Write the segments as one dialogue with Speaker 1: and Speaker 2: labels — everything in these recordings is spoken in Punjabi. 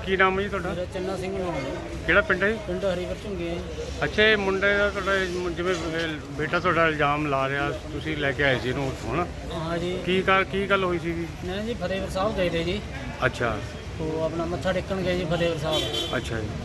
Speaker 1: ਕੀ ਨਾਮ ਹੈ ਜੀ ਤੁਹਾਡਾ?
Speaker 2: ਮੇਰਾ ਚੰਨਾ ਸਿੰਘ ਨਾਮ ਹੈ।
Speaker 1: ਕਿਹੜਾ ਪਿੰਡ ਹੈ ਜੀ?
Speaker 2: ਪਿੰਡ ਹਰੀਪੁਰ ਝੁੰਗੇ ਹੈ ਜੀ।
Speaker 1: ਅੱਛਾ, ਇਹ ਮੁੰਡੇ ਦਾ ਤੁਹਾਡਾ ਜਿਵੇਂ ਬੇਟਾ ਤੁਹਾਡਾ ਇਲਜ਼ਾਮ ਲਾ ਰਿਹਾ, ਤੁਸੀਂ ਲੈ ਕੇ ਆਏ ਸੀ ਇਹਨੂੰ ਉੱਥੋਂ ਨਾ?
Speaker 2: ਹਾਂ ਜੀ।
Speaker 1: ਕੀ ਗੱਲ ਹੋਈ ਸੀਗੀ?
Speaker 2: ਮੈਂ ਜੀ ਫਤਿਹਗੜ੍ਹ ਸਾਹਿਬ ਗਏ ਤੇ ਜੀ।
Speaker 1: ਅੱਛਾ।
Speaker 2: ਉਹ ਆਪਣਾ ਮੱਥਾ ਟੇਕਣ ਗਏ ਜੀ ਫਤਿਹਗੜ੍ਹ ਸਾਹਿਬ।
Speaker 1: ਅੱਛਾ ਜੀ।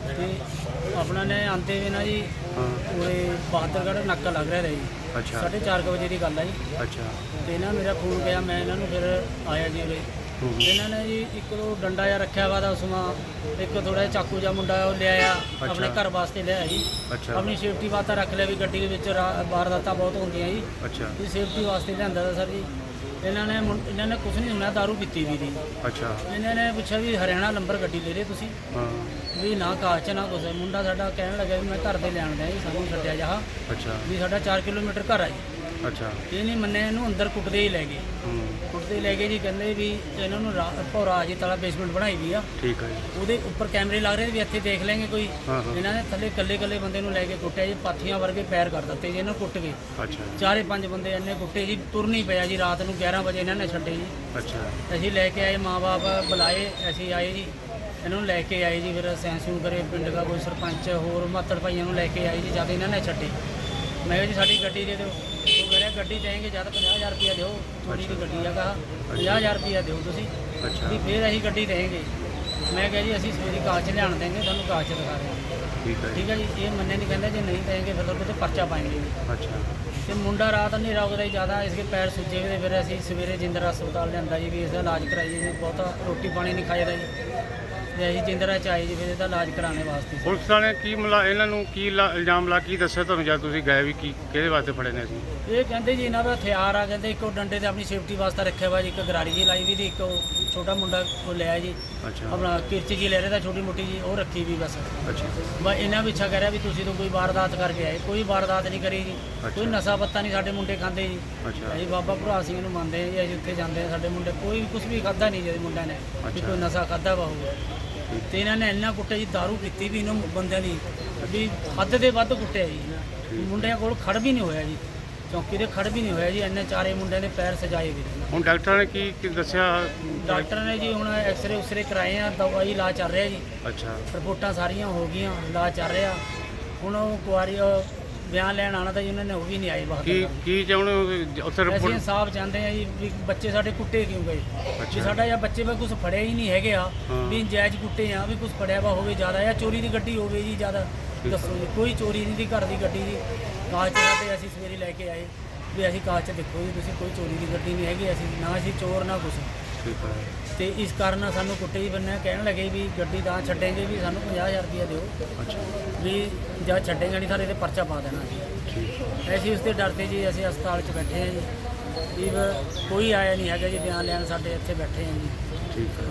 Speaker 2: ਤੇ ਆਪਣਾ ਨੇ ਆਂਦੇ ਵੀ ਨਾ ਜੀ
Speaker 1: ਹਾਂ।
Speaker 2: ਉਰੇ ਬਹਾਦਰਗੜ੍ਹ ਨਾਕਾ ਲੱਗ ਰਿਹਾ ਤਾ ਜੀ।
Speaker 1: ਅੱਛਾ।
Speaker 2: 4:30 ਵਜੇ ਦੀ ਗੱਲ ਹੈ ਜੀ।
Speaker 1: ਅੱਛਾ।
Speaker 2: ਤੇ ਇਹਨਾਂ ਮੇਰਾ ਫੋਨ ਗਿਆ, ਮੈਂ ਇਹਨਾਂ ਨੂੰ ਫਿਰ ਆਇਆ ਜੀ ਉਰੇ। ਇਹਨਾਂ ਨੇ ਜੀ ਇੱਕ ਦੋ ਡੰਡਾ ਜਿਹਾ ਰੱਖਿਆ ਵਾ ਦਾ ਉਸਮਾ, ਇੱਕ ਥੋੜਾ ਜਿਹਾ ਚਾਕੂ ਜਿਹਾ ਮੁੰਡਾ ਉਹ ਲਿਆਇਆ ਆਪਣੇ ਘਰ ਵਾਸਤੇ ਲਿਆਇਆ ਜੀ।
Speaker 1: ਅੱਛਾ।
Speaker 2: ਆਪਣੀ ਸੇਫਟੀ ਵਾਸਤੇ ਰੱਖ ਲਿਆ ਵੀ ਗੱਡੀ ਦੇ ਵਿੱਚ ਵਾਰਦਾਤਾਂ ਬਹੁਤ ਹੁੰਦੀਆਂ ਜੀ।
Speaker 1: ਅੱਛਾ।
Speaker 2: ਇਹ ਸੇਫਟੀ ਵਾਸਤੇ ਲਿਆਂਦਾ ਤਾ ਸਰ ਜੀ। ਇਹਨਾਂ ਨੇ ਕੁਝ ਨਹੀਂ ਸੁਣਿਆ, ਦਾਰੂ ਪੀਤੀ ਵੀ ਦੀ।
Speaker 1: ਅੱਛਾ।
Speaker 2: ਇਹਨਾਂ ਨੇ ਪੁੱਛਿਆ ਵੀ ਹਰਿਆਣਾ ਨੰਬਰ ਗੱਡੀ ਲੈ ਰਹੇ ਤੁਸੀਂ?
Speaker 1: ਹਾਂ।
Speaker 2: ਵੀ ਨਾ ਕਾਚ ਚ ਨਾ ਕੁਛ। ਮੁੰਡਾ ਸਾਡਾ ਕਹਿਣ ਲੱਗਾ ਵੀ ਮੈਂ ਘਰ ਦੇ ਲੈਣ ਦਿਆਂ ਜੀ, ਸਾਨੂੰ ਛੱਡਿਆ ਜਾ।
Speaker 1: ਅੱਛਾ।
Speaker 2: ਵੀ ਸਾਡਾ 4 ਕਿਲੋਮੀਟਰ ਘਰ ਆ ਜੀ।
Speaker 1: ਅੱਛਾ।
Speaker 2: ਇਹ ਨਹੀਂ ਮੰਨਿਆ, ਇਹਨੂੰ ਅੰਦਰ ਕੁੱਟਦੇ ਹੀ ਲੈ ਗਏ। ਕੁੱਟਦੇ ਲੈ ਗਏ ਜੀ। ਕਹਿੰਦੇ ਵੀ ਇਹਨਾਂ ਨੂੰ ਭੌਰਾ ਜੀ ਤਲਾ ਬੇਸਮੈਂਟ ਬਣਾਈ ਵੀ ਆ।
Speaker 1: ਠੀਕ ਹੈ ਜੀ।
Speaker 2: ਉਹਦੇ ਉੱਪਰ ਕੈਮਰੇ ਲੱਗ ਰਹੇ ਵੀ ਇੱਥੇ ਦੇਖ ਲੈਂਗੇ ਕੋਈ।
Speaker 1: ਹਾਂ।
Speaker 2: ਇਹਨਾਂ ਨੇ ਥੱਲੇ ਇਕੱਲੇ ਬੰਦੇ ਨੂੰ ਲੈ ਕੇ ਕੁੱਟਿਆ ਜੀ, ਪਾਥੀਆਂ ਵਰਗੇ ਪੈਰ ਕਰ ਦਿੱਤੇ ਜੀ ਇਹਨਾਂ ਨੂੰ ਕੁੱਟ ਕੇ।
Speaker 1: ਅੱਛਾ।
Speaker 2: 4-5 ਬੰਦੇ ਇੰਨੇ ਕੁੱਟੇ ਜੀ, ਤੁਰ ਨਹੀਂ ਪਿਆ ਜੀ। ਰਾਤ ਨੂੰ 11 ਵਜੇ ਇਹਨਾਂ ਨੇ ਛੱਡੇ ਜੀ।
Speaker 1: ਅੱਛਾ।
Speaker 2: ਅਸੀਂ ਲੈ ਕੇ ਆਏ, ਮਾਂ-ਬਾਪ ਬੁਲਾਏ, ਅਸੀਂ ਆਏ ਜੀ, ਇਹਨਾਂ ਨੂੰ ਲੈ ਕੇ ਆਏ ਜੀ। ਫਿਰ ਸੈਂਸੂਨ ਕਰੇ ਪਿੰਡ ਦਾ ਕੋਈ ਸਰਪੰਚ, ਹੋਰ ਮਾਤੜ ਭਾਈਆਂ ਨੂੰ ਲੈ ਕੇ ਆਏ ਜੀ। ਜਦ ਇਹਨਾਂ ਨੇ ਛੱਡੇ, ਮੈਂ ਕਿਹਾ ਜੀ ਸਾਡੀ ਗੱਡੀ ਦੇ ਦਿਓ। ਉਹ ਕਹਿੰਦੇ ਗੱਡੀ ਦੇਂਗੇ ਜਦ 50,000 ਰੁਪਇਆ ਦਿਓ, ਥੋੜੀ ਦੀ ਗੱਡੀ ਆ, ਕਹਾ 50,000 ਰੁਪਇਆ ਦਿਓ ਤੁਸੀਂ।
Speaker 1: ਅੱਛਾ।
Speaker 2: ਵੀ ਫਿਰ ਅਸੀਂ ਗੱਡੀ ਦੇਂਗੇ। ਮੈਂ ਕਿਹਾ ਜੀ ਅਸੀਂ ਸਵੇਰੇ ਕਾਗਜ਼ 'ਚ ਲਿਆਣ ਦੇਂਗੇ, ਤੁਹਾਨੂੰ ਕਾਗਜ਼ 'ਚ ਦਿਖਾ ਰਹੇ ਹਾਂ।
Speaker 1: ਠੀਕ ਹੈ।
Speaker 2: ਠੀਕ ਹੈ ਜੀ। ਇਹ ਮੰਨੇ ਨਹੀਂ, ਕਹਿੰਦਾ ਜੇ ਨਹੀਂ ਦੇਂਗੇ ਫਿਰ ਤੁਹਾਡੇ ਤੇ ਪਰਚਾ ਪਾਏਂਗੇ ਜੀ।
Speaker 1: ਅੱਛਾ।
Speaker 2: ਤੇ ਮੁੰਡਾ ਰਾਤ ਹਨੇਰਾ ਹੋ ਗਿਆ ਜੀ ਜ਼ਿਆਦਾ, ਇਸਕੇ ਪੈਰ ਸੁੱਜੇ ਹੋਏ। ਫਿਰ ਅਸੀਂ ਸਵੇਰੇ ਜਿੰਦਰਾ ਹਸਪਤਾਲ ਲਿਆਂਦਾ ਜੀ ਵੀ ਇਸਦਾ ਇਲਾਜ ਕਰਾਈਏ ਜੀ। ਬਹੁਤਾ ਰੋਟੀ ਪਾਣੀ ਨਹੀਂ ਖਾਈਦਾ ਜੀ। ਤੇ ਅਸੀਂ ਜਿੰਦਰਾ ਚ ਆਏ ਜੀ ਫਿਰ ਇਹਦਾ ਇਲਾਜ ਕਰਾਉਣੇ ਵਾਸਤੇ।
Speaker 1: ਪੁਲਿਸ ਵਾਲੇ ਕੀ ਇਹਨਾਂ ਨੂੰ ਕੀ ਇਲਜ਼ਾਮ ਲਾ ਕੀ ਦੱਸਿਆ ਤੁਹਾਨੂੰ ਜਦ ਤੁਸੀਂ ਗਏ ਵੀ ਕਿਹਦੇ ਵਾਸਤੇ ਫੜੇ ਨੇ ਅਸੀਂ?
Speaker 2: ਇਹ ਕਹਿੰਦੇ ਜੀ ਇਹਨਾਂ ਦਾ ਹਥਿਆਰ ਆ। ਕਹਿੰਦੇ ਇੱਕ ਉਹ ਡੰਡੇ ਤੇ ਆਪਣੀ ਸੇਫਟੀ ਵਾਸਤੇ ਰੱਖਿਆ ਵਾ ਜੀ, ਇੱਕ ਗਰਾਰੀ ਜੀ ਲਾਈ ਵੀ ਦੀ, ਇੱਕ ਉਹ ਛੋਟਾ ਮੁੰਡਾ ਉਹ ਲਿਆ ਜੀ।
Speaker 1: ਅੱਛਾ।
Speaker 2: ਆਪਣਾ ਕਿਰਚ ਜੀ ਲੈ ਰਿਹਾ ਤਾਂ ਛੋਟੀ ਮੋਟੀ ਜੀ, ਉਹ ਰੱਖੀ ਵੀ ਬਸ।
Speaker 1: ਅੱਛਾ।
Speaker 2: ਬਸ ਇਹਨਾਂ ਪਿੱਛਾ ਕਹਿ ਰਿਹਾ ਵੀ ਤੁਸੀਂ ਤਾਂ ਕੋਈ ਵਾਰਦਾਤ ਕਰਕੇ ਆਏ। ਕੋਈ ਵਾਰਦਾਤ ਨਹੀਂ ਕਰੀ ਜੀ। ਕੋਈ ਨਸ਼ਾ ਪੱਤਾ ਨਹੀਂ ਸਾਡੇ ਮੁੰਡੇ ਖਾਂਦੇ ਜੀ।
Speaker 1: ਅੱਛਾ।
Speaker 2: ਅਸੀਂ ਬਾਬਾ ਭਰਾ ਸਿੰਘ ਨੂੰ ਮੰਨਦੇ ਹਾਂ ਜੀ। ਅਸੀਂ ਉੱਥੇ ਜਾਂਦੇ ਹਾਂ, ਸਾਡੇ ਮੁੰਡੇ ਕੋਈ ਕੁਝ ਵੀ ਖਾਦਾ ਨਹੀਂ ਜੀ ਮੁੰਡਿਆਂ ਨੇ, ਵੀ ਕੋਈ ਨਸ਼ਾ ਖਾਦਾ ਵਾ ਹੋਊਗਾ। ਤੇ ਇਹਨਾਂ ਨੇ ਇੰਨਾ ਕੁੱਟਿਆ ਜੀ, ਦਾਰੂ ਪੀਤੀ ਵੀ ਇਹਨਾਂ ਬੰਦਿਆਂ ਦੀ ਵੀ ਹੱਦ ਦੇ ਵੱਧ ਕੁੱਟਿਆ ਜੀ। ਮੁੰਡਿਆਂ ਕੋਲ ਖੜ ਵੀ ਨਹੀਂ ਹੋਇਆ ਜੀ, ਚੌਂਕੀ ਦੇ ਖੜ ਵੀ ਨਹੀਂ ਹੋਇਆ ਜੀ। ਇੰਨੇ ਚਾਰੇ ਮੁੰਡਿਆਂ ਦੇ ਪੈਰ ਸਜਾਏ ਵੀ।
Speaker 1: ਹੁਣ ਡਾਕਟਰ ਨੇ ਕੀ ਦੱਸਿਆ?
Speaker 2: ਡਾਕਟਰ ਨੇ ਜੀ ਹੁਣ ਐਕਸਰੇ ਉਕਸਰੇ ਕਰਾਏ ਆ, ਦਵਾਈ ਇਲਾਜ ਚੱਲ ਰਿਹਾ ਜੀ।
Speaker 1: ਅੱਛਾ।
Speaker 2: ਰਿਪੋਰਟਾਂ ਸਾਰੀਆਂ ਹੋ ਗਈਆਂ, ਇਲਾਜ ਚੱਲ ਰਿਹਾ। ਹੁਣ ਉਹ ਕੁਆਰੀ ਬਿਆਨ ਲੈਣ ਆਉਣਾ ਤਾਂ ਜੀ ਉਹਨਾਂ ਨੇ, ਉਹ ਵੀ ਨਹੀਂ ਆਏ ਬਾਹਰ।
Speaker 1: ਕੀ ਚਾਹੁੰਦੇ ਹੋ ਉੱਥੇ
Speaker 2: ਅਸੀਂ
Speaker 1: ਰਿਪੋਰਟ?
Speaker 2: ਇਨਸਾਫ ਚਾਹੁੰਦੇ ਆ ਜੀ ਵੀ ਬੱਚੇ ਸਾਡੇ ਕੁੱਟੇ ਕਿਉਂ ਗਏ। ਵੀ ਸਾਡਾ ਜਾਂ ਬੱਚੇ ਵਾ ਕੁਝ ਫੜਿਆ ਹੀ ਨਹੀਂ ਹੈਗੇ ਆ, ਵੀ ਨਜਾਇਜ਼ ਕੁੱਟੇ ਆ, ਵੀ ਕੁਝ ਫੜਿਆ ਵਾ ਹੋਵੇ ਜ਼ਿਆਦਾ, ਜਾਂ ਚੋਰੀ ਦੀ ਗੱਡੀ ਹੋਵੇ ਜੀ ਜ਼ਿਆਦਾ। ਦੱਸੋ ਜੀ, ਕੋਈ ਚੋਰੀ ਨਹੀਂ ਦੀ ਘਰ ਦੀ ਗੱਡੀ ਜੀ। ਕਾਗਜ਼ ਤੇ ਅਸੀਂ ਸਵੇਰੇ ਲੈ ਕੇ ਆਏ ਵੀ ਅਸੀਂ ਕਾਗਜ਼ 'ਚ ਦੇਖੋ ਜੀ ਤੁਸੀਂ, ਕੋਈ ਚੋਰੀ ਦੀ ਗੱਡੀ ਨਹੀਂ ਹੈਗੀ। ਅਸੀਂ ਨਾ ਅਸੀਂ ਚੋਰ ਨਾ ਕੁਛ।
Speaker 1: ਠੀਕ ਹੈ।
Speaker 2: ਤੇ ਇਸ ਕਾਰਨ ਸਾਨੂੰ ਕੁੱਟੇ ਹੀ ਬੰਨੇ ਕਹਿਣ ਲੱਗੇ ਵੀ ਗੱਡੀ ਤਾਂ ਛੱਡੇਂਗੇ ਵੀ ਸਾਨੂੰ 50,000 ਰੁਪਇਆ ਦਿਓ।
Speaker 1: ਅੱਛਾ।
Speaker 2: ਵੀ ਜਦ ਛੱਡੇਂਗੇ ਨਹੀਂ ਸਾਰੇ ਤੇ ਪਰਚਾ ਪਾ ਦੇਣਾ ਜੀ।
Speaker 1: ਠੀਕ।
Speaker 2: ਅਸੀਂ ਉਸ ਦੇ ਡਰ ਤੇ ਜੀ ਅਸੀਂ ਹਸਪਤਾਲ 'ਚ ਬੈਠੇ ਹਾਂ ਜੀ। ਵੀ ਕੋਈ ਆਇਆ ਨਹੀਂ ਹੈਗਾ ਜੀ ਬਿਆਨ ਲੈਣ, ਸਾਡੇ ਇੱਥੇ ਬੈਠੇ ਹਾਂ ਜੀ।
Speaker 1: ਠੀਕ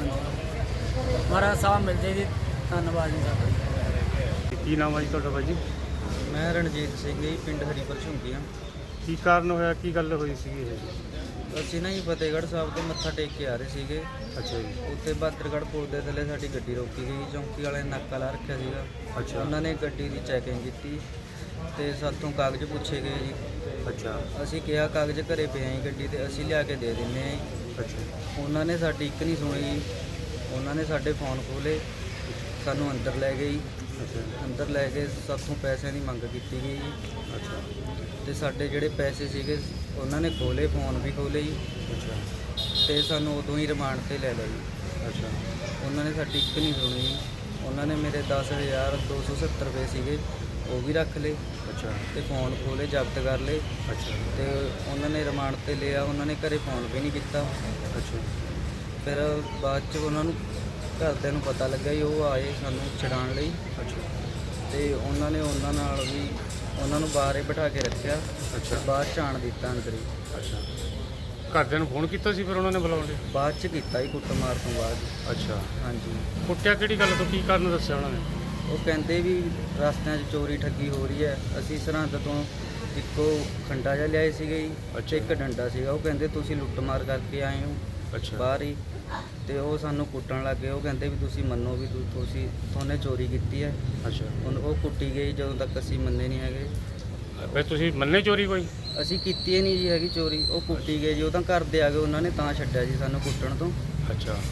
Speaker 1: ਹੈ।
Speaker 2: ਮਹਾਰਾਜ ਸਾਹਿਬ ਮਿਲ ਜੇ ਜੀ, ਧੰਨਵਾਦ ਜੀ ਸਾਡਾ।
Speaker 1: ਕੀ ਨਾਮ ਹੈ ਜੀ ਤੁਹਾਡਾ ਬਾਈ ਜੀ?
Speaker 3: ਮੈਂ ਰਣਜੀਤ ਸਿੰਘ ਜੀ, ਪਿੰਡ ਹਰੀਪੁਰ ਝੁੰਗੀਆਂ।
Speaker 1: ਕੀ ਕਾਰਨ ਹੋਇਆ, ਕੀ ਗੱਲ ਹੋਈ ਸੀਗੀ ਇਹ?
Speaker 3: ਅਸੀਂ ਨਾ ਜੀ ਫਤਿਹਗੜ੍ਹ ਸਾਹਿਬ ਤੋਂ ਮੱਥਾ ਟੇਕ ਕੇ ਆ ਰਹੇ ਸੀਗੇ।
Speaker 1: ਅੱਛਾ ਜੀ।
Speaker 3: ਉੱਥੇ ਬਹਾਦਰਗੜ੍ਹ ਪੁਲ ਦੇ ਥੱਲੇ ਸਾਡੀ ਗੱਡੀ ਰੋਕੀ ਗਈ। ਚੌਂਕੀ ਵਾਲੇ ਨੇ ਨਾਕਾ ਲਾ ਰੱਖਿਆ ਸੀਗਾ।
Speaker 1: ਅੱਛਾ।
Speaker 3: ਉਹਨਾਂ ਨੇ ਗੱਡੀ ਦੀ ਚੈਕਿੰਗ ਕੀਤੀ ਤੇ ਸਾਥੋਂ ਕਾਗਜ਼ ਪੁੱਛੇ ਗਏ ਜੀ।
Speaker 1: ਅੱਛਾ।
Speaker 3: ਅਸੀਂ ਕਿਹਾ ਕਾਗਜ਼ ਘਰੇ ਪਏ ਆਂ ਗੱਡੀ ਤੇ, ਅਸੀਂ ਲਿਆ ਕੇ ਦੇ ਦਿੰਦੇ ਆਂ ਜੀ।
Speaker 1: ਅੱਛਾ।
Speaker 3: ਉਹਨਾਂ ਨੇ ਸਾਡੀ ਇੱਕ ਨਹੀਂ ਸੁਣੀ। ਉਹਨਾਂ ਨੇ ਸਾਡੇ ਫੋਨ ਖੋਲੇ, ਸਾਨੂੰ ਅੰਦਰ ਲੈ ਗਏ ਜੀ।
Speaker 1: ਅੱਛਾ।
Speaker 3: ਅੰਦਰ ਲੈ ਕੇ ਸਾਥੋਂ ਪੈਸਿਆਂ ਦੀ ਮੰਗ ਕੀਤੀ ਗਈ ਜੀ।
Speaker 1: ਅੱਛਾ।
Speaker 3: ਤੇ ਸਾਡੇ ਜਿਹੜੇ ਪੈਸੇ ਸੀਗੇ ਉਹਨਾਂ ਨੇ ਖੋਲੇ, ਫੋਨ ਵੀ ਖੋਲੇ ਜੀ।
Speaker 1: ਅੱਛਾ।
Speaker 3: ਤੇ ਸਾਨੂੰ ਉਦੋਂ ਹੀ ਰਿਮਾਂਡ ਤੇ ਲੈ ਲਿਆ ਜੀ।
Speaker 1: ਅੱਛਾ।
Speaker 3: ਉਹਨਾਂ ਨੇ ਸਾਡੀ ਇੱਕ ਨਹੀਂ ਸੁਣੀ ਜੀ। ਉਹਨਾਂ ਨੇ ਮੇਰੇ 10,270 ਰੁਪਏ ਸੀਗੇ, ਉਹ ਵੀ ਰੱਖ ਲਏ।
Speaker 1: ਅੱਛਾ।
Speaker 3: ਤੇ ਫੋਨ ਖੋਲੇ, ਜ਼ਬਤ ਕਰ ਲਏ।
Speaker 1: ਅੱਛਾ।
Speaker 3: ਤੇ ਉਹਨਾਂ ਨੇ ਰਿਮਾਂਡ ਤੇ ਲਿਆ। ਉਹਨਾਂ ਨੇ ਘਰੇ ਫੋਨ ਵੀ ਨਹੀਂ ਕੀਤਾ।
Speaker 1: ਅੱਛਾ।
Speaker 3: ਫਿਰ ਬਾਅਦ 'ਚ ਉਹਨਾਂ ਨੂੰ ਘਰਦਿਆਂ ਨੂੰ ਪਤਾ ਲੱਗਾ ਜੀ, ਉਹ ਆਏ ਸਾਨੂੰ ਛਡਾਉਣ ਲਈ।
Speaker 1: ਅੱਛਾ।
Speaker 3: ਤੇ ਉਹਨਾਂ ਨੇ ਉਹਨਾਂ ਨਾਲ ਵੀ ਉਹਨਾਂ ਨੂੰ ਬਾਹਰ ਹੀ ਬਿਠਾ ਕੇ ਰੱਖਿਆ।
Speaker 1: ਅੱਛਾ।
Speaker 3: ਬਾਅਦ 'ਚ ਆਣ ਦਿੱਤਾ ਅੰਦਰ ਹੀ।
Speaker 1: ਅੱਛਾ। ਘਰਦਿਆਂ ਨੂੰ ਫੋਨ ਕੀਤਾ ਸੀ ਫਿਰ ਉਹਨਾਂ ਨੇ ਬੁਲਾਉਣ ਲਈ?
Speaker 3: ਬਾਅਦ 'ਚ ਕੀਤਾ ਜੀ, ਕੁੱਟਮਾਰ ਤੋਂ ਬਾਅਦ।
Speaker 1: ਅੱਛਾ।
Speaker 3: ਹਾਂਜੀ।
Speaker 1: ਕੁੱਟਿਆ ਕਿਹੜੀ ਗੱਲ ਤੋਂ, ਕੀ ਕਾਰਨ ਦੱਸਿਆ ਉਹਨਾਂ ਨੇ?
Speaker 3: ਉਹ ਕਹਿੰਦੇ ਵੀ ਰਸਤਿਆਂ 'ਚ ਚੋਰੀ ਠੱਗੀ ਹੋ ਰਹੀ ਹੈ। ਅਸੀਂ ਸਰਹੰਦ ਤੋਂ ਇੱਕੋ ਖੰਡਾ ਜਿਹਾ ਲਿਆਏ ਸੀਗੇ ਜੀ,
Speaker 1: ਅੱਛਾ।
Speaker 3: ਇੱਕ ਡੰਡਾ ਸੀਗਾ। ਉਹ ਕਹਿੰਦੇ ਤੁਸੀਂ ਲੁੱਟਮਾਰ ਕਰਕੇ ਆਏ ਹੋ
Speaker 1: ਅੱਛਾ।
Speaker 3: ਬਾਹਰ ਹੀ। ਤੇ ਉਹ ਸਾਨੂੰ ਕੁੱਟਣ ਲੱਗ ਗਏ। ਉਹ ਕਹਿੰਦੇ ਵੀ ਤੁਸੀਂ ਮੰਨੋ ਵੀ ਤੁਹਾਨੇ ਚੋਰੀ ਕੀਤੀ ਹੈ।
Speaker 1: ਅੱਛਾ।
Speaker 3: ਹੁਣ ਉਹ ਕੁੱਟੀ ਗਈ ਜਦੋਂ ਤੱਕ ਅਸੀਂ ਮੰਨੇ ਨਹੀਂ ਹੈਗੇ।
Speaker 1: ਫਿਰ ਤੁਸੀਂ ਮੰਨੇ ਚੋਰੀ ਕੋਈ?
Speaker 3: ਅਸੀਂ ਕੀਤੀ ਹੀ ਨਹੀਂ ਜੀ ਹੈਗੀ ਚੋਰੀ। ਉਹ ਕੁੱਟੀ ਗਏ ਜੀ, ਉਹ ਤਾਂ ਘਰ ਦੇ ਆ ਗਏ, ਉਹਨਾਂ ਨੇ ਤਾਂ ਛੱਡਿਆ ਜੀ ਸਾਨੂੰ ਕੁੱਟਣ ਤੋਂ।
Speaker 1: ਅੱਛਾ।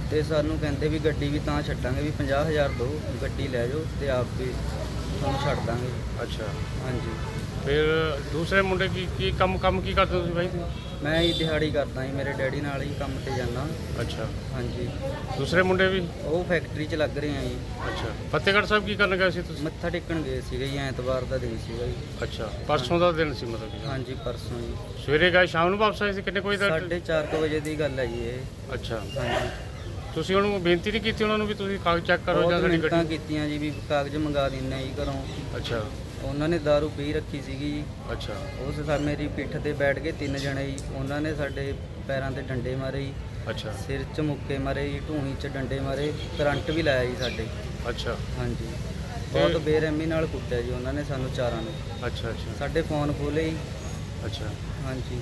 Speaker 3: ਤੇ ਸਾਨੂੰ ਕਹਿੰਦੇ ਵੀ ਗੱਡੀ ਵੀ ਤਾਂ ਛੱਡਾਂਗੇ ਵੀ 50,000 ਦਿਓ, ਗੱਡੀ ਲੈ ਜਾਓ ਤੇ ਆਪ ਵੀ ਤੁਹਾਨੂੰ ਛੱਡ ਦਾਂਗੇ।
Speaker 1: ਅੱਛਾ,
Speaker 3: ਹਾਂਜੀ,
Speaker 1: ਫਿਰ ਦੂਸਰੇ ਮੁੰਡੇ ਕੀ ਕੰਮ ਕੀ ਕਰਦੇ ਹੋ ਤੁਸੀਂ ਬਾਈ?
Speaker 3: ਮੈਂ ਹੀ ਦਿਹਾੜੀ ਕਰਦਾ ਜੀ, ਮੇਰੇ ਡੈਡੀ ਨਾਲ ਹੀ ਕੰਮ ਤੇ ਜਾਂਦਾ।
Speaker 1: ਅੱਛਾ,
Speaker 3: ਹਾਂਜੀ,
Speaker 1: ਦੂਸਰੇ ਮੁੰਡੇ ਵੀ?
Speaker 3: ਉਹ ਫੈਕਟਰੀ 'ਚ ਲੱਗ ਰਹੇ ਆ ਜੀ।
Speaker 1: ਅੱਛਾ, ਫਤਿਹਗੜ੍ਹ ਸਾਹਿਬ ਕੀ ਕਰਨ ਗਏ ਸੀ ਤੁਸੀਂ?
Speaker 3: ਮੱਥਾ ਟੇਕਣ ਗਏ ਸੀਗੇ ਜੀ, ਐਤਵਾਰ ਦਾ ਦਿਨ ਸੀਗਾ ਜੀ।
Speaker 1: ਅੱਛਾ, ਪਰਸੋਂ ਦਾ ਦਿਨ ਸੀ ਮਤਲਬ ਕਿ?
Speaker 3: ਹਾਂਜੀ, ਪਰਸੋਂ ਜੀ।
Speaker 1: ਸਵੇਰੇ ਗਏ, ਸ਼ਾਮ ਨੂੰ ਵਾਪਸ ਆਏ ਸੀ? ਕਿੰਨੇ ਕੋਈ ਦਾ?
Speaker 3: 4:30 ਵਜੇ ਦੀ ਗੱਲ ਹੈ ਜੀ ਇਹ।
Speaker 1: ਅੱਛਾ,
Speaker 3: ਹਾਂਜੀ,
Speaker 1: ਤੁਸੀਂ ਉਹਨੂੰ ਬੇਨਤੀ ਨਹੀਂ ਕੀਤੀ ਉਹਨਾਂ ਨੂੰ ਵੀ ਤੁਸੀਂ ਕਾਗਜ਼ ਚੈੱਕ ਕਰੋ ਜਾਂ
Speaker 3: ਬਹੁਤ
Speaker 1: ਸਾਡੀ
Speaker 3: ਮਿੰਨਤਾਂ
Speaker 1: ਗੱਡੀ?
Speaker 3: ਕੀਤੀਆਂ ਜੀ ਵੀ ਕਾਗਜ਼ ਮੰਗਾ ਦਿੰਨੇ ਜੀ ਘਰੋਂ।
Speaker 1: ਅੱਛਾ
Speaker 3: ਉਹਨਾਂ ਨੇ ਦਾਰੂ ਪੀ ਰੱਖੀ ਸੀਗੀ ਜੀ।
Speaker 1: ਅੱਛਾ
Speaker 3: ਉਸ ਮੇਰੀ ਪਿੱਠ ਤੇ ਬੈਠ ਕੇ 3 ਜਣੇ ਜੀ, ਉਹਨਾਂ ਨੇ ਸਾਡੇ ਪੈਰਾਂ ਤੇ ਡੰਡੇ ਮਾਰੇ ਜੀ,
Speaker 1: ਅੱਛਾ
Speaker 3: ਸਿਰ 'ਚ ਮੁੱਕੇ ਮਾਰੇ ਜੀ, ਢੂਹੀ 'ਚ ਡੰਡੇ ਮਾਰੇ, ਕਰੰਟ ਵੀ ਲਾਇਆ ਜੀ ਸਾਡੇ।
Speaker 1: ਅੱਛਾ
Speaker 3: ਹਾਂਜੀ, ਬਹੁਤ ਬੇਰਹਿਮੀ ਨਾਲ ਕੁੱਟਿਆ ਜੀ ਉਹਨਾਂ ਨੇ ਸਾਨੂੰ ਚਾਰਾਂ ਨੂੰ।
Speaker 1: ਅੱਛਾ ਅੱਛਾ
Speaker 3: ਸਾਡੇ ਫੋਨ ਖੋਲੇ ਜੀ।
Speaker 1: ਅੱਛਾ,
Speaker 3: ਹਾਂਜੀ,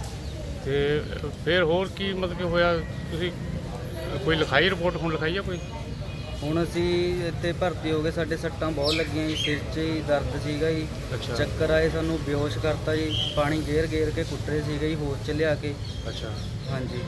Speaker 1: ਤੇ ਫਿਰ ਹੋਰ ਕੀ ਮਤਲਬ ਕਿ ਹੋਇਆ? ਤੁਸੀਂ ਕੋਈ ਲਿਖਾਈ ਰਿਪੋਰਟ ਹੁਣ ਲਿਖਾਈ ਆ ਕੋਈ?
Speaker 3: ਹੁਣ ਅਸੀਂ ਇੱਥੇ ਭਰਤੀ ਹੋ ਗਏ, ਸਾਡੇ ਸੱਟਾਂ ਬਹੁਤ ਲੱਗੀਆਂ ਜੀ, ਸਿਰ 'ਚ ਹੀ ਦਰਦ ਸੀਗਾ ਜੀ,
Speaker 1: ਅੱਛਾ
Speaker 3: ਚੱਕਰ ਆਏ, ਸਾਨੂੰ ਬੇਹੋਸ਼ ਕਰਤਾ ਜੀ, ਪਾਣੀ ਗੇਰ ਕੇ ਕੁੱਟ ਰਹੇ ਸੀਗੇ ਜੀ, ਹੋਸ਼ 'ਚ ਲਿਆ ਕੇ।
Speaker 1: ਅੱਛਾ,
Speaker 3: ਹਾਂਜੀ,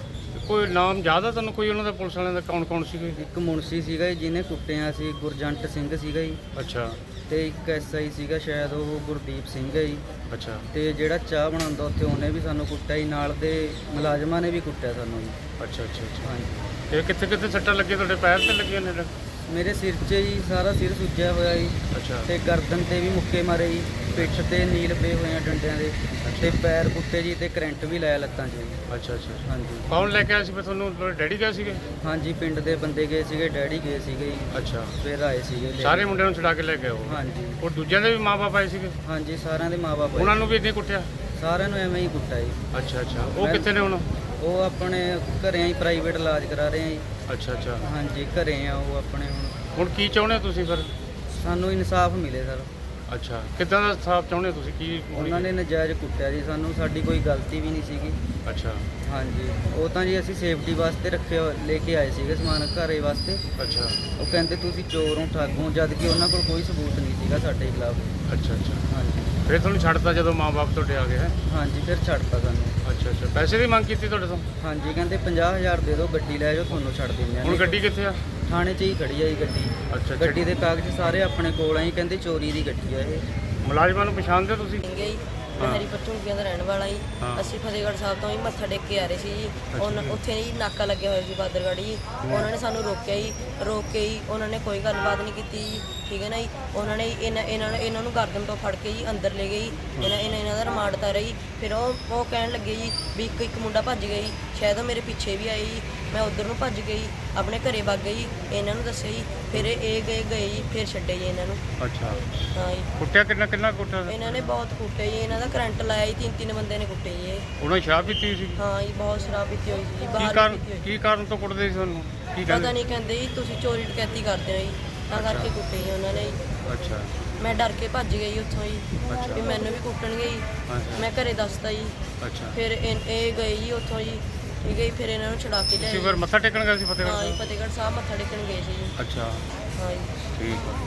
Speaker 1: ਕੋਈ ਨਾਮ ਯਾਦ ਆ ਤੁਹਾਨੂੰ ਕੋਈ ਉਹਨਾਂ ਦਾ, ਪੁਲਿਸ ਵਾਲਿਆਂ ਦਾ? ਕੌਣ ਸੀਗੇ?
Speaker 3: ਇੱਕ ਮੁਨਸ਼ੀ ਸੀਗਾ ਜੀ ਜਿਹਨੇ ਕੁੱਟਿਆ ਸੀ, ਗੁਰਜੰਟ ਸਿੰਘ ਸੀਗਾ ਜੀ,
Speaker 1: ਅੱਛਾ
Speaker 3: ਤੇ ਇੱਕ ਐਸਆਈ ਸੀਗਾ ਸ਼ਾਇਦ ਉਹ ਗੁਰਦੀਪ ਸਿੰਘ ਹੈ ਜੀ,
Speaker 1: ਅੱਛਾ
Speaker 3: ਤੇ ਜਿਹੜਾ ਚਾਹ ਬਣਾਉਂਦਾ ਉੱਥੇ ਉਹਨੇ ਵੀ ਸਾਨੂੰ ਕੁੱਟਿਆ ਜੀ, ਨਾਲ ਦੇ ਮੁਲਾਜ਼ਮਾਂ ਨੇ ਵੀ ਕੁੱਟਿਆ ਸਾਨੂੰ ਜੀ।
Speaker 1: ਅੱਛਾ ਅੱਛਾ ਅੱਛਾ,
Speaker 3: ਹਾਂਜੀ,
Speaker 1: ਤੇ ਕਿੱਥੇ ਸੱਟਾਂ ਲੱਗੀਆਂ ਤੁਹਾਡੇ? ਪੈਰ ਤੇ ਲੱਗੀਆਂ ਨੇ?
Speaker 3: ਮੇਰੇ ਸਿਰ 'ਚ ਜੀ, ਸਾਰਾ ਸਿਰ ਸੁੱਜਿਆ ਹੋਇਆ ਜੀ,
Speaker 1: ਅੱਛਾ
Speaker 3: ਤੇ ਗਰਦਨ ਤੇ ਵੀ ਮੁੱਕੇ ਮਾਰੇ ਜੀ, ਪਿੱਠ ਤੇ ਨੀਲ ਪਏ ਹੋਏ ਆ ਡੰਡਿਆਂ ਦੇ, ਤੇ ਪੈਰ ਕੁੱਟੇ ਜੀ, ਤੇ ਕਰੰਟ ਵੀ ਲਾਇਆ ਲੱਤਾਂ 'ਚ ਜੀ।
Speaker 1: ਅੱਛਾ ਅੱਛਾ,
Speaker 3: ਹਾਂਜੀ,
Speaker 1: ਕੌਣ ਲੈ ਕੇ ਆਇਆ ਸੀ ਫਿਰ ਤੁਹਾਨੂੰ? ਤੁਹਾਡੇ ਡੈਡੀ ਗਏ ਸੀਗੇ?
Speaker 3: ਹਾਂਜੀ, ਪਿੰਡ ਦੇ ਬੰਦੇ ਗਏ ਸੀਗੇ, ਡੈਡੀ ਗਏ ਸੀਗੇ ਜੀ,
Speaker 1: ਅੱਛਾ,
Speaker 3: ਫਿਰ ਆਏ ਸੀਗੇ ਲੈ
Speaker 1: ਸਾਰੇ
Speaker 3: ਕੇ।
Speaker 1: ਮੁੰਡਿਆਂ ਨੂੰ ਛੁਡਾ ਕੇ ਲੈ ਗਏ ਉਹ?
Speaker 3: ਹਾਂਜੀ,
Speaker 1: ਉਹ ਦੂਜਿਆਂ ਦੇ ਵੀ ਮਾਪੇ ਆਏ ਸੀਗੇ?
Speaker 3: ਹਾਂਜੀ, ਸਾਰਿਆਂ ਦੇ ਮਾਪੇ
Speaker 1: ਉਹਨਾਂ ਨੂੰ ਵੀ ਇੱਦਾਂ ਹੀ ਕੁੱਟਿਆ?
Speaker 3: ਸਾਰਿਆਂ ਨੂੰ ਐਵੇਂ ਹੀ ਕੁੱਟਿਆ ਜੀ।
Speaker 1: ਅੱਛਾ ਅੱਛਾ, ਉਹ
Speaker 3: ਮੈਂ-
Speaker 1: ਕਿੱਥੇ ਨੇ ਹੁਣ?
Speaker 3: ਉਹ ਆਪਣੇ ਘਰੇ ਹੀ ਪ੍ਰਾਈਵੇਟ ਇਲਾਜ ਕਰਾ ਰਹੇ ਆ ਜੀ।
Speaker 1: ਅੱਛਾ ਅੱਛਾ,
Speaker 3: ਹਾਂਜੀ, ਘਰੇ ਆ ਉਹ ਆਪਣੇ। ਹੁਣ
Speaker 1: ਹੁਣ ਕੀ ਚਾਹੁੰਦੇ ਹੋ ਤੁਸੀਂ ਫਿਰ?
Speaker 3: ਸਾਨੂੰ ਇਨਸਾਫ ਮਿਲੇ ਸਰ।
Speaker 1: ਅੱਛਾ, ਕਿੱਦਾਂ ਦਾ ਸਾਫ ਚਾਹੁੰਦੇ ਹੋ ਤੁਸੀਂ? ਕੀ
Speaker 3: ਉਹਨਾਂ ਨੇ ਨਜਾਇਜ਼ ਕੁੱਟਿਆ ਜੀ ਸਾਨੂੰ, ਸਾਡੀ ਕੋਈ ਗਲਤੀ ਵੀ ਨਹੀਂ ਸੀਗੀ।
Speaker 1: ਅੱਛਾ
Speaker 3: ਹਾਂਜੀ, ਉਹ ਤਾਂ ਜੀ ਅਸੀਂ ਸੇਫਟੀ ਵਾਸਤੇ ਲੈ ਕੇ ਆਏ ਸੀਗੇ ਸਮਾਨ ਘਰੇ ਵਾਸਤੇ।
Speaker 1: ਅੱਛਾ
Speaker 3: ਉਹ ਕਹਿੰਦੇ ਤੁਸੀਂ ਚੋਰ ਹੋ, ਠੱਗ ਹੋ, ਜਦ ਕਿ ਉਹਨਾਂ ਕੋਲ ਕੋਈ ਸਬੂਤ ਨਹੀਂ ਸੀਗਾ ਸਾਡੇ ਖਿਲਾਫ।
Speaker 1: ਅੱਛਾ ਅੱਛਾ,
Speaker 3: ਹਾਂਜੀ,
Speaker 1: ਫਿਰ ਤੁਹਾਨੂੰ ਛੱਡਤਾ ਜਦੋਂ ਮਾਪੇ ਤੁਹਾਡੇ ਆ ਗਏ? ਹੈ
Speaker 3: ਹਾਂਜੀ, ਫਿਰ ਛੱਡਤਾ ਸਾਨੂੰ।
Speaker 1: ਅੱਛਾ ਅੱਛਾ, ਪੈਸੇ ਦੀ ਮੰਗ ਕੀਤੀ ਤੁਹਾਡੇ ਤੋਂ?
Speaker 3: ਹਾਂਜੀ, ਕਹਿੰਦੇ 50,000 ਦੇ ਦਿਓ, ਗੱਡੀ ਲੈ ਜਾਓ, ਤੁਹਾਨੂੰ ਛੱਡ ਦਿੰਦੇ
Speaker 1: ਹੁਣ
Speaker 3: ਆ।
Speaker 1: ਗੱਡੀ ਕਿੱਥੇ ਆ?
Speaker 3: ਥਾਣੇ 'ਚ ਹੀ ਖੜੀ ਆ ਜੀ ਗੱਡੀ।
Speaker 1: ਅੱਛਾ
Speaker 3: ਗੱਡੀ ਦੇ ਕਾਗਜ਼ ਸਾਰੇ ਆਪਣੇ ਕੋਲ ਆ ਜੀ, ਕਹਿੰਦੇ ਚੋਰੀ ਦੀ ਗੱਡੀ ਆ ਇਹ।
Speaker 1: ਮੁਲਾਜ਼ਮਾਂ ਨੂੰ ਪਛਾਣਦੇ ਹੋ ਤੁਸੀਂ?
Speaker 4: ਗਈ ਮੈਂ ਹਰੀਪੁਰ ਝੁੰਗੀਆਂ ਦਾ ਰਹਿਣ ਵਾਲਾ ਜੀ।
Speaker 1: ਹਾਂ।
Speaker 4: ਅਸੀਂ ਫਤਿਹਗੜ੍ਹ ਸਾਹਿਬ ਤੋਂ ਹੀ ਮੱਥਾ ਟੇਕ ਕੇ ਆ ਰਹੇ ਸੀ ਜੀ। ਉੱਥੇ ਜੀ ਨਾਕਾ ਲੱਗਿਆ ਹੋਇਆ ਸੀ ਬਾਦਰਗੜ੍ਹ ਜੀ। ਉਹਨਾਂ ਨੇ ਸਾਨੂੰ ਰੋਕਿਆ ਜੀ, ਰੋਕ ਕੇ ਜੀ ਉਹਨਾਂ ਨੇ ਕੋਈ ਗੱਲਬਾਤ ਨਹੀਂ ਕੀਤੀ ਜੀ, ਠੀਕ ਹੈ ਨਾ ਜੀ। ਉਹਨਾਂ ਨੇ ਇਹਨਾਂ ਨੂੰ ਗਰਦਨ ਤੋਂ ਫੜ ਕੇ ਜੀ ਅੰਦਰ ਲੈ ਗਏ ਜੀ। ਇਹਨਾਂ ਦਾ ਰਿਮਾਂਡ ਤਾਰਿਆ ਜੀ। ਫਿਰ ਉਹ ਕਹਿਣ ਲੱਗੇ ਜੀ ਵੀ ਇੱਕ ਮੁੰਡਾ ਭੱਜ ਗਿਆ ਜੀ, ਸ਼ਾਇਦ ਉਹ ਮੇਰੇ ਪਿੱਛੇ ਵੀ ਆਏ ਜੀ। ਮੈਂ ਉੱਧਰ ਨੂੰ ਭੱਜ ਗਈ, ਆਪਣੇ ਘਰੇ ਵਗ ਗਈ, ਇਹਨਾਂ ਨੂੰ ਦੱਸਿਆ ਜੀ। ਫਿਰ ਇਹ ਗਏ ਜੀ, ਫਿਰ ਛੱਡੇ ਜੀ ਇਹਨਾਂ ਨੂੰ।
Speaker 1: ਅੱਛਾ,
Speaker 4: ਹਾਂ ਜੀ,
Speaker 1: ਕੁੱਟਿਆ ਕਿੰਨਾ ਕੁੱਟਿਆ?
Speaker 4: ਇਹਨਾਂ ਨੇ ਬਹੁਤ ਕੁੱਟੇ ਜੀ, ਇਹਨਾਂ ਦਾ ਕਰੰਟ ਲਾਇਆ ਜੀ, 3 ਬੰਦੇ ਨੇ ਕੁੱਟੇ ਜੀ ਇਹ।
Speaker 1: ਉਹਨਾਂ ਨੇ ਸ਼ਰਾਬ ਪੀਤੀ ਸੀ?
Speaker 4: ਹਾਂ ਜੀ, ਬਹੁਤ ਸ਼ਰਾਬ ਪੀਤੀ ਹੋਈ ਸੀ ਜੀ,
Speaker 1: ਕੀ
Speaker 4: ਬਾਹਰ
Speaker 1: ਕਾਰਨ
Speaker 4: ਪੀਤੀ ਹੋਈ।
Speaker 1: ਕੀ ਕਾਰਨ ਤੋਂ ਕੁੱਟਦੇ ਸੀ ਤੁਹਾਨੂੰ? ਕੀ
Speaker 4: ਪਤਾ
Speaker 1: ਕਹਿੰਦੇ?
Speaker 4: ਨਹੀਂ, ਕਹਿੰਦੇ ਜੀ ਤੁਸੀਂ ਚੋਰੀ ਡਕੈਤੀ ਕਰਦੇ ਹੋ ਜੀ, ਤਾਂ ਕਰਕੇ ਕੁੱਟੇ ਜੀ ਉਹਨਾਂ ਨੇ ਜੀ।
Speaker 1: ਅੱਛਾ
Speaker 4: ਮੈਂ ਡਰ ਕੇ ਭੱਜ ਗਈ ਉੱਥੋਂ ਜੀ,
Speaker 1: ਅੱਛਾ।
Speaker 4: ਵੀ ਮੈਨੂੰ ਵੀ ਕੁੱਟਣਗੇ ਜੀ।
Speaker 1: ਅੱਛਾ
Speaker 4: ਮੈਂ ਘਰੇ ਦੱਸਤਾ ਜੀ।
Speaker 1: ਅੱਛਾ,
Speaker 4: ਫਿਰ ਇਹ ਗਏ ਜੀ ਉੱਥੋਂ ਜੀ, ਠੀਕ ਹੈ ਜੀ। ਫਿਰ ਇਹਨਾਂ ਨੂੰ ਛੁਡਾ ਕੇ ਲਿਆਏ
Speaker 1: ਤੁਸੀਂ
Speaker 4: ਜੀ।
Speaker 1: ਫਿਰ ਮੱਥਾ ਟੇਕਣ ਗਏ ਸੀ
Speaker 4: ਹਾਂ
Speaker 1: ਫਤਿਹਗੜ੍ਹ
Speaker 4: ਜੀ,
Speaker 1: ਸਾਹਿਬ?
Speaker 4: ਫਤਿਹਗੜ੍ਹ ਸਾਹਿਬ ਮੱਥਾ ਟੇਕਣ ਗਏ ਸੀ ਜੀ।
Speaker 1: ਅੱਛਾ,
Speaker 4: ਹਾਂ ਜੀ।
Speaker 1: ਠੀਕ ਹੈ।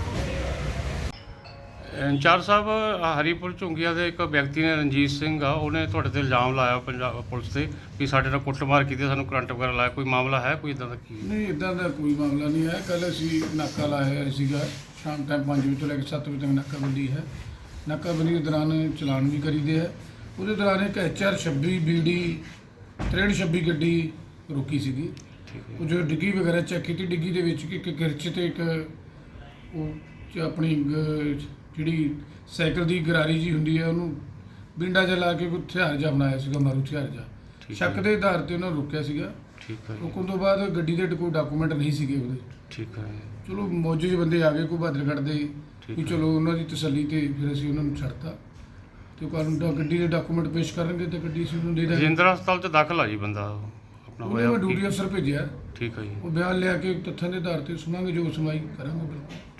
Speaker 1: ਇੰਚਾਰਜ ਸਾਹਿਬ, ਹਰੀਪੁਰ ਝੁੰਗੀਆਂ ਦੇ ਇੱਕ ਵਿਅਕਤੀ ਨੇ, ਰਣਜੀਤ ਸਿੰਘ ਆ, ਉਹਨੇ ਤੁਹਾਡੇ ਤੇ ਇਲਜ਼ਾਮ ਲਾਇਆ ਪੰਜਾਬ ਪੁਲਿਸ ਤੇ ਵੀ ਸਾਡੇ ਨਾਲ ਕੁੱਟਮਾਰ ਕੀਤੀ, ਸਾਨੂੰ ਕਰੰਟ ਵਗੈਰਾ ਲਾਇਆ। ਕੋਈ ਮਾਮਲਾ ਹੈ ਕੋਈ ਇਦਾਂ ਦਾ? ਕੀ
Speaker 5: ਨਹੀਂ, ਇਦਾਂ ਦਾ ਕੋਈ ਮਾਮਲਾ ਨਹੀਂ ਹੈ। ਕੱਲ੍ਹ ਅਸੀਂ ਨਾਕਾ ਲਾਇਆ ਸੀਗਾ, ਸ਼ਾਮ ਟਾਈਮ 5 ਵਜੇ ਤੋਂ ਲੈ ਕੇ 7 ਵਜੇ ਤੱਕ ਨਾਕਾਬੰਦੀ ਹੈ। ਨਾਕਾਬੰਦੀ ਦੇ ਦੌਰਾਨ ਚਲਾਨ ਵੀ ਕਰੀਦੇ ਹੈ। ਉਹਦੇ ਦੌਰਾਨ ਇੱਕ HR 26 BD 6326 ਗੱਡੀ ਰੁਕੀ ਸੀਗੀ। ਉਹ ਜੋ ਡਿੱਗੀ ਵਗੈਰਾ ਚੈੱਕ ਕੀਤੀ, ਡਿੱਗੀ ਦੇ ਵਿੱਚ ਇੱਕ ਕਿਰਚ ਤੇ ਇੱਕ ਉਹ ਆਪਣੀ ਜਿਹੜੀ ਸਾਈਕਲ ਦੀ ਗਰਾਰੀ ਜੀ ਹੁੰਦੀ ਹੈ, ਉਹਨੂੰ ਬਿੰਡਾ ਜਿਹਾ ਲਾ ਕੇ ਕੋਈ ਹਥਿਆਰ ਜਿਹਾ ਬਣਾਇਆ ਸੀਗਾ, ਮਾਰੂ ਹਥਿਆਰ ਜਿਹਾ। ਸ਼ੱਕ ਦੇ ਆਧਾਰ ਤੇ ਉਹਨਾਂ ਰੋਕਿਆ ਸੀਗਾ।
Speaker 1: ਠੀਕ ਹੈ ਜੀ,
Speaker 5: ਰੁਕਣ ਤੋਂ ਬਾਅਦ ਗੱਡੀ ਦੇ ਕੋਈ ਡਾਕੂਮੈਂਟ ਨਹੀਂ ਸੀਗੇ ਉਹਦੇ।
Speaker 1: ਠੀਕ ਹੈ,
Speaker 5: ਚਲੋ ਮੌਜੂਦ ਬੰਦੇ ਆ ਗਏ ਕੋਈ ਬਾਦਰਗੜ੍ਹ ਦੇ,
Speaker 1: ਠੀਕ
Speaker 5: ਵੀ
Speaker 1: ਹੈ।
Speaker 5: ਚਲੋ ਉਹਨਾਂ ਦੀ ਤਸੱਲੀ ਤੇ ਫਿਰ ਅਸੀਂ ਉਹਨਾਂ ਨੂੰ ਛੱਡਤਾ। ਤੇ ਕਾਨੂੰਨ ਦਾ ਗੱਡੀ ਦੇ ਡਾਕੂਮੈਂਟ ਪੇਸ਼ ਕਰਨਗੇ ਤੇ ਗੱਡੀ ਅਸੀਂ ਉਹਨੂੰ ਦੇ ਦਾਂਗੇ।
Speaker 1: ਰਜਿੰਦਰਾ ਹਸਪਤਾਲ 'ਚ ਦਾਖਲ ਆ ਜੀ ਬੰਦਾ ਆਪਣਾ
Speaker 5: ਉਹਨੂੰ ਮੈਂ
Speaker 1: ਹੋਇਆ?
Speaker 5: ਡਿਊਟੀ ਅਫਸਰ ਭੇਜਿਆ,
Speaker 1: ਠੀਕ ਹੈ ਜੀ,
Speaker 5: ਉਹ ਬਿਆਨ ਲਿਆ ਕੇ ਤੱਥਾਂ ਦੇ ਆਧਾਰ ਤੇ ਸੁਣਾਂਗੇ, ਜੋ ਸੁਣਵਾਈ ਕਰਾਂਗੇ ਬਿਲਕੁਲ।